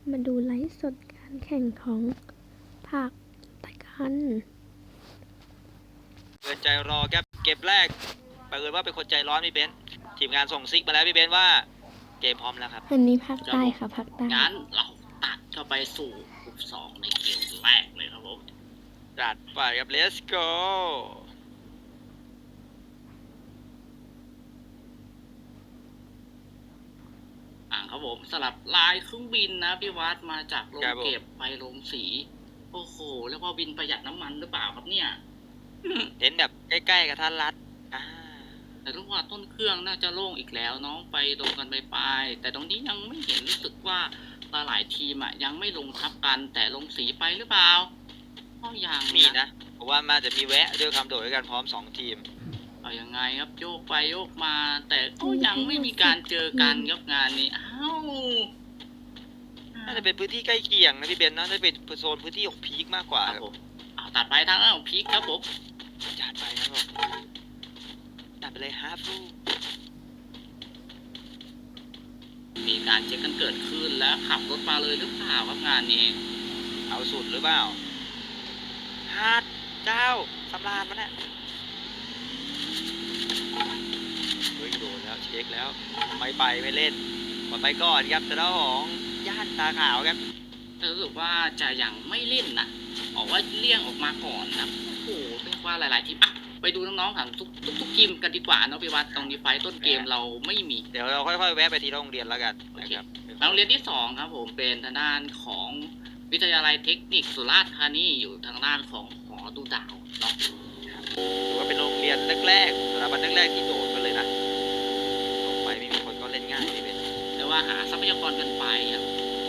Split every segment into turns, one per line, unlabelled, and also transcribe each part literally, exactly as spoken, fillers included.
มาดูไลฟ์สดการแข่งของผักตะกัน
เปิดใจรอครับเกมแรกเปิดว่าเป็นคนใจร้อนพี่เบนซ์ทีมงานส่งซิกมาแล้วพี่เบนซ์ว่าเกมพร้อมแล้วครับ
อันนี้ภาคใต้ค่ะภาคใต้
งั้นเราตัดเข้าไปสู่กลุ่มสองในเกมแรกเลยครับผม
จัดไปครับ let's go
อ่าครับผมสลับลายเครื่องบินนะพี่วัดมาจากโรงเก็บไปโรงสีโอ้โหแล้วก็บินประหยัดน้ำมันหรือเปล่าครับเนี่ย
เห็นแบบใกล้ๆกับท่านรัฐอ่า
แต่รู้ว่าต้นเครื่องน่าจะโล่งอีกแล้วน้องไปลงกันไปไปแต่ตรงนี้ยังไม่เห็นรู้สึกว่าหลายทีมอ่ะยังไม่ลงทับกันแต่ลงสีไปหรือเปล่าก็ยัง
มีนะเพราะว่ามาจะมีแวะด้วยคำโดดด้วยกันพร้อมสองทีม
เอายังไงครับโยกไปโยกมาแต่ก็ยังไม่มีการเจอกันครับงานนี้อ้าว
น่าจะเป็นพื้นที่ใกล้เคียงนะพี่เบนซ์น่าจะเป็นโซนพื้นที่ของพีคมากกว่าครับผม
เอาตัดไปทางด้านของพีคครับผม
จัดไปครับผมตัดไปเลยฮาฟู
มีการเช็คกันเกิดขึ้นแล้วขับรถมาเลยหรือเปล่าครับงานนี้
เอาสุดหรือเปล่าฮาร์ดเจ้าสำราญมันแหละเฮ้ยโดนแล้วเช็คแล้วไม่ไปไม่เล่นมาไปก่อนครับแต่ละของย่านตาขาวครับ
รู้สึกว่าจะยังไม่เล่นนะบอกว่าเลี่ยงออกมาก่อนนะโอ้โหเรียกว่าหลายๆทีมอ่ะไปดูน้องๆถามทุกทุกทีมกันดีกว่าเนาะพี่วัดตรงนี้ไฟต้นเกมเราไม่มี
เดี๋ยวเราค่อยๆแวะไปที่โรงเรียนแล้วกันนะครับ
โรงเรียนที่สองครับผมเป็นทางด้านของวิทยาลัยเทคนิคสุราษฎร์ธานีอยู่ทางด้านของหอดูดาวเนาะ
ถือว่าเป็นโรงเรียนแรกๆสถาบันแรกๆที่โดดกันเลยนะลงไปไม่มีคนก็เล่นง่ายนี่เป็น
แต่ว่าหาทรัพยากรกันไปครับ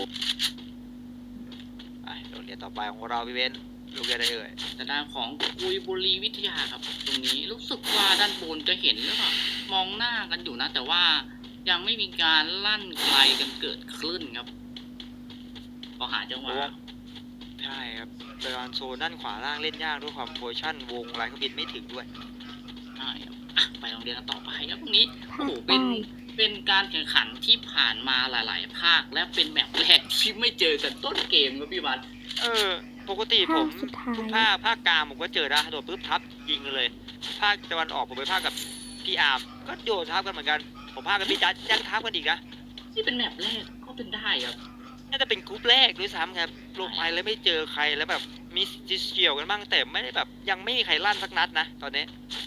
ไปโรงเรียนต่อไปของเราพี่เบนโรงเรียนอะไรเอ่ย
ทางด้านของกุยบุรีวิทยาครับตรงนี้รู้สึกว่าด้านบนจะเห็นหรือเปล่ามองหน้ากันอยู่นะแต่ว่ายังไม่มีการลั่นไกลกันเกิดขึ้นครับพอหาจังหวะ
ใช่ครับโดยการโซนด้านขวาล่างเล่นยากด้วยความโพชั่นวงลายเครื่องบินไม่ถึงด้วย
ใช่ครับอ่ะไปโรงเรียนกันต่อไปครับตรงนี้โอ้โหเป็นเป็นการแข่งขันที่ผ่านมาหลายๆภาคและเป็นแมปแรกที่ไม่เจอกันต้นเกมครับพี่วัด
เออปกติผมทุกภาคภาคกลางผมก็เจอนะโดดปุ๊บทับยิงเลยภาคตะวันออกผมไปภาคกับพี่อาร์มก็โดดทับกันเหมือนกันผมภาคกับพี่จัดยังทับกันอีกนะ
ที่เป็นแมปแรกก็เป็นได้ครับ
น่าจะเป็นกรุ๊ปแรกด้วยซ้ำครับลงไปแล้วไม่เจอใครแล้วแบบมีจิเฉียวกันบ้างแต่ไม่ได้แบบยังไม่มีใครลั่นสักนัดนะตอนนี้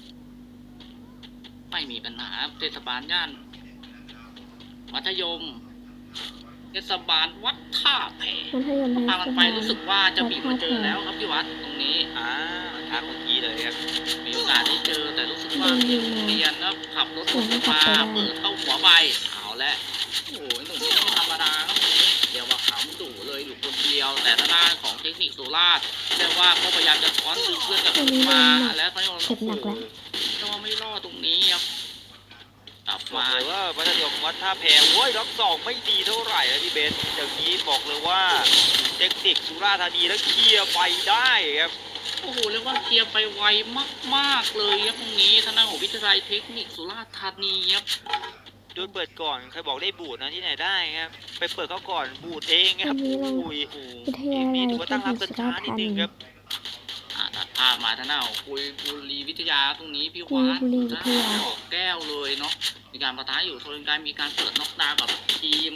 ไม่มีปัญหาเทศบาลย่านมัธยมเทศบาลวัดท่าแพพามันไปรู้สึกว่าจะมีมาเจอแล้วครับพี่วัดตรงนี้
อ่าทางเมื่อกี้เลยครับ
มีโอกาสได้เจอแต่รู้สึกว่าเรียนแล้วขับรถมาเปิดเข้าหัวใบเอาแล้วโอ้โหหนุ่มนี่ไม่ธรรมดาครับนี้เดี๋ยวว่าขำดุเลยอยู่คนเดียวแต่ทางด้านของเทคนิคสุราษฎร์เรียกว่าก็พยายามจะช้อนดึงเพื่อนกับมาแล้วตอนนี้โอ้โหแต่ว่าไม่รอดตรงนี้ครับกลับมา
เลยว่ามัธยมวัดท่าแพโว้ยล็อกสองไม่ดีเท่าไหร่นะพี่เบนอย่างนี้บอกเลยว่าเทคนิคสุราษฎร์ธานีแล้วเคลียร์ไปได้ครับ
โอ้โหเรียกว่าเคลียร์ไปไวมากๆเลยครับตรงนี้ทางด้านของวิทยาลัยเทคนิคสุราษฎร์ธานีครับ
โดนเปิดก่อนใครบอกได้บูดนะที่ไหนได้ครับไปเปิดเขาก่อนบูดเองครับอุ้ยมีถือว่าตั้งรับกันช้านิดนึงครับ
ตัดภาพมาท่าหน้าคุยบุรีวิทยาตรงนี้พี่วัดนะแก้วเลยเนาะมีการประทะอยู่โซนการมีการเปิดน็อกดาวกับทีม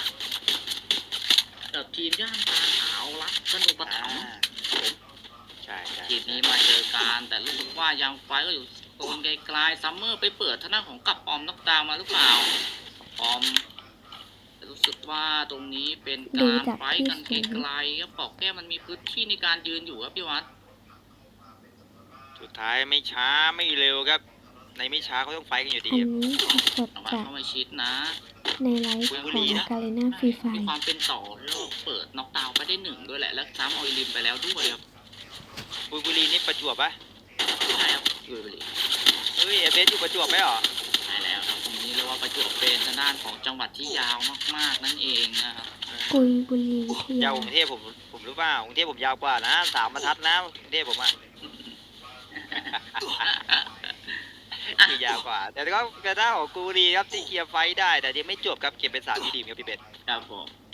กับทีมย่านตาขาวรักสนุกประถม
ใช่
ทีมนี้มาเจอกันแต่รู้สึกว่ายังไฟก็อยู่โซนไกลๆซัมเมอร์ไปเปิดท่าหน้าของกับออมน็อกดาวมาหรือเปล่าออมรู้สึกว่าตรงนี้เป็นการไฟกันไกลๆครับปอกแก้วมันมีพื้นที่ในการยืนอยู่ครับพี่วัด
สุดท้ายไม่ช้าไม่เร็วครับในไม่ช้าเขาต้องไฟกันอยู่ดี
อันนี้สดจาก
เข้ามาชิดนะ
ในไลฟ์ของกาเลน่าฟรีไฟ
มีความเป็นต่อแล้วเปิดน็อกดาวน์ไปได้หนึ่งด้วยแหละแล้วซ้ำออยลิมไปแล้วด้วยครับ
บุยบุรีนี่ประจวบปะ
ใช่ครับบุยบุรี
เฮ้ยเบสอยู่ประจวบไหมหรอ
ใช่แล้วครับตรงนี้เรียกว่าประจวบเป็นทางด้านของจังหวัดที่ยาวมากๆนั่นเองนะครับ
กุยบุรี
ยาวกรุงเทพผมผมรู้ป่าวกรุงเทพผมยาวกว่านะสามบรรทัดนะกรุงเทพผมอ่ะคือยาวกว่าแต่ก็กระด้างของกูดีครับที่เคลียร์ไฟได้แต่ยังไม่จบครับเก็บเป็นสามทีดีครับพี่เบส
ครับผม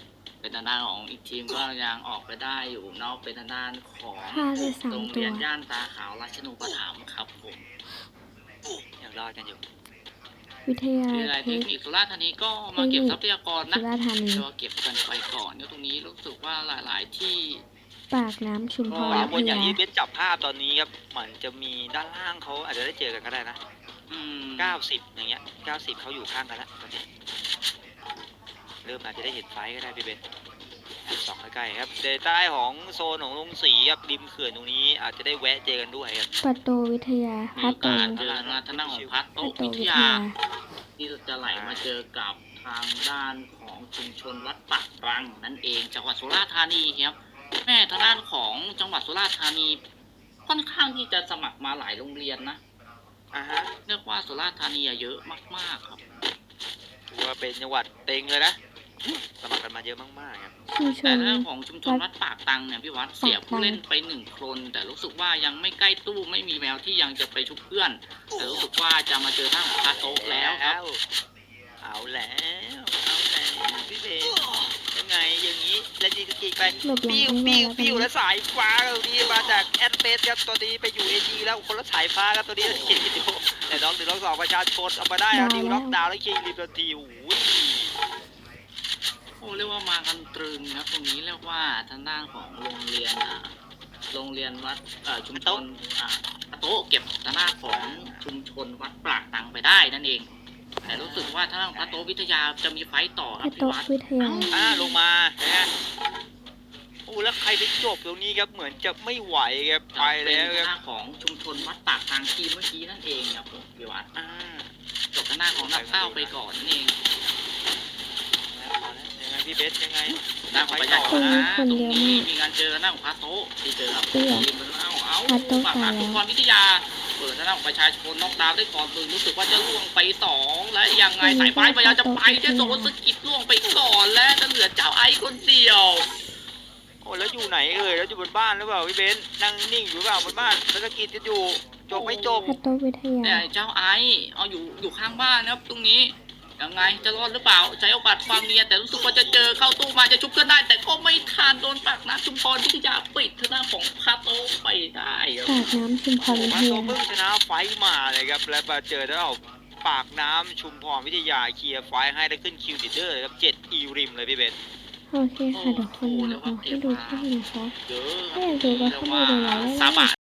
เป็นทางด้านของอีกทีมก็ยังออกไปได้อยู่เนอกเป็นทางด้านของ
ฆ่าได้สา
โร
ม
ง
ตั
เรี
วย
นย่านตาขาวราชนูปถัมภ์ครับผม
ยังรอดกันอยู่
วิทยา
วิทยาลัย
เท
เทค
ค
นิคสุราษฎร์ธานีก็มาเก็บทรัพยากร
สุ
นะ
ราษฎร์ธานี
ก็เก็บกันไปก่อนก็ตรงนี้รู้สึกว่าหลาย ๆ ที่
ปากน้ำชุมพ
ข
ร
วา
วิ
บน
ท
อย่าง
ยา
ที่เบสจับภาพตอนนี้ครับเหมือนจะมีด้านล่างเขาอาจจะได้เจอกันก็ได้นะ
อืม
เก้าสิบอย่างเงี้ยเก้าสิบเขาอยู่ข้างกันแล้วตอนนี้เริ่มอาจจะได้เห็นไฟก็ได้พี่เบสสองใกล้ๆครับเดใต้ของโซนของลงสีครับริมเขื่อนตรงนี้อาจจะได้แวะเจอกันด้วยครับ
ปัตโตวิทยา
มี
พั
โอ
ตโต
กาสเจอทางทางด้านของพัด
พั
โต๊ะ
ตโต
วิท
วิท
ยา
ยา
ที่จะไหลมาเจอกับทางด้านของชุมชนวัดปากรังนั่นเองจังหวัดสุราษฎร์ธานีครับแม่ทางด้านของจังหวัดสุราษฎร์ธานีค่อนข้างที่จะสมัครมาหลายโรงเรียนนะ
อ่าฮะ
เรียกว่าสุราษฎร์ธานีอะเยอะมากๆครับ
ถือว่าเป็นจังหวัดเต็งเลยนะสมัครกันมาเยอะมากๆครับ
ชุมช
แต่
น
เรื่องของชุมชนวัดปากตังเนี่ยพี่วัดเสียผู้เล่นไปหนึ่งคน แต่รู้สึกว่ายังไม่ใกล้ตู้ไม่มีแมวที่ยังจะไปชุบเพื่อน แต่รู้สึกว่าจะมาเจอทางของคาโต๊ะแล้วครับ
เอาแล้วเอาแล้วพี่เบนยังไงอย่างนี้แล้วยิงกีไป
หลบหลัง
ปิ้ว
ไม่
ปิ้ว
ได้
ปิ้ว
แล้
แล้ว วสายฟ้าตรงนี้มาจากแอดเฟสครับตัวนี้ไปอยู่เอจีแล้วคนละสายฟ้าครับตัวนี้เขียนวิดีโอแต่น้องหนึ่งน้องสองประชาชนเอามาได้แล้วดิวล็อกดาวน์แล้วคิงรีบทันทีโอ้ย
โอ้เรียกว่ามากันตรึงครับตรงนี้เรียกว่าทางด้านของโรงเรียนอ่าโรงเรียนวัดเอ่อชุมชนอ่าคาโต๊ะเก็บทางด้านของชุมชนวัดปากตังไปได้นั่นเอง แต่รู้สึกว่าทางด้านของคาโต๊ะวิทยาจะมีไฟต์ต่อครั
พั
บ
ตโต
พี่วัด
วิทยา
อ่าลงมานะฮะโอ้แล้วใครไปจบตรงนี้ครับเหมือนจะไม่ไหวครับไปแล้ว
เป็น
ค
ทาง
รับ
ด้านของชุมชนวัดปากตังทีมเมื่อกี้นั่นเองครับผมพี่วัด
อ่า
จบทางด้านของนักเต้าไปก่อนนั่นเอง
เอาแล้วยังไงพี่เบสยังไง
ด้านของประชาชนนะตรงนี้มีการเจอหน้าของคาโต๊ะที่เจอกับทีมเป็นเอ้าเอาปากหาทุกคนวิทยา เปิดทางด้านของประชาชนน็อกดาวน์ได้ก่อนคือรู้สึกว่าจะล่วงไปสองและยังไงสายฟ้าพยายามจะไปจะโดนสกิดล่วงไปก่อนและจะเหลือเจ้าไอซ์คนเดียว
โอ้แล้วอยู่ไหนเอ่ยแล้วอยู่บนบ้านหรือเปล่าพี่เบนนั่งนิ่งอยู่หรือเปล่าบนบ้านแล้วสกิดจะอยู่จบไม่จบ
พัตโตวิทยา
แต่เจ้าไอซ์เอาอยู่อยู่ข้างบ้านนะครับตรงนี้ยังไงจะรอดหรือเปล่าใช้โอกาสความเนียนแต่รู้สึกว่าจะเจอเข้าตู้มาจะชุบเพื่อนได้ แต่ก็ไม่ทันโดนปากน้ำชุมพรวิทยาปิดทางด้านของคาโต้ไปได้ครับ
ปากน้ำชุมพรวิ
มา
ท
โซ
ยา
เพิ่งชนะไฟท์มาเลยครับและมาเจอแล้วปากน้ำชุมพรวิทยาเคลียร์ไฟท์ให้ได้ขึ้นคิวติดเดอร์เลยครับเจ็ดอีริมเลยพี่เบน
โอเคค่ะเดี๋ยวคนเราเอาให้ดูแค่นี้นะคะ
เยอะ
ถ้าอยากดูก็เข้ามาดูไลฟ์ได้
ซา
เลย
บะ